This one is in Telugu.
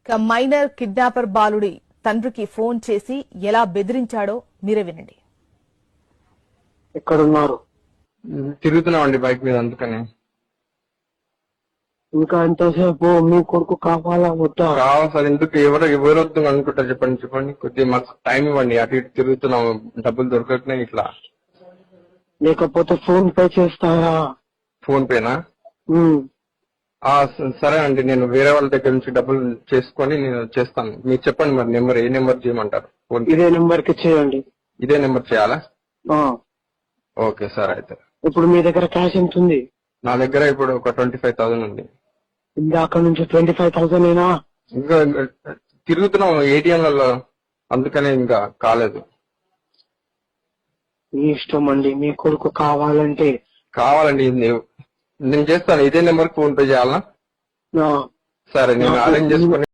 ఇక మైనర్ కిడ్నాపర్ బాలుడి తండ్రికి ఫోన్ చేసి ఎలా బెదిరించాడో మీరే వినండి. ఎక్కడున్నారు? తిరుగుతున్నామండి బైక్ మీద, అందుకని. ఇంకా ఎంతసేపు? మీ కొడుకు కావాలా వద్దా? కావాలి సార్. ఎందుకు ఎవరు వద్దు అనుకుంటారు చెప్పండి. కొద్దిగా మాకు టైం ఇవ్వండి. అటు ఇటు తిరుగుతున్నాం, డబ్బులు దొరకట్లేదు ఇట్లా. లేకపోతే ఫోన్ పే చేస్తారా? ఫోన్ పేనా? సరే అండి, నేను వేరే వాళ్ళ దగ్గర నుంచి డబ్బులు చేసుకొని నేను చేస్తాను. మీరు చెప్పండి మరి నెంబర్, ఏ నెంబర్ చేయమంటారు? ఫోన్ ఇదే నెంబర్ కి చేయండి. ఇదే నెంబర్ చేయాలా? Okay sir. అయితే ఇప్పుడు మీ దగ్గర క్యాష్ ఎంత ఉంది? నా దగ్గర ఇప్పుడు ఒక 25,000 ఉంది. ఇందాక నుంచి 25,000 ఏనా? ఇంకా తిరుగుతున్నాం ఏటీఎంలలో, అందుకనే ఇంకా కాలేదు. మీ ఇష్టం అండి. మీ కొడుకు కావాలంటే కావాలండి, నేను చేస్తాను. ఇదే నెంబర్ ఫోన్ పే చేయాలా? సరే, నేను అరేంజ్ చేసుకుని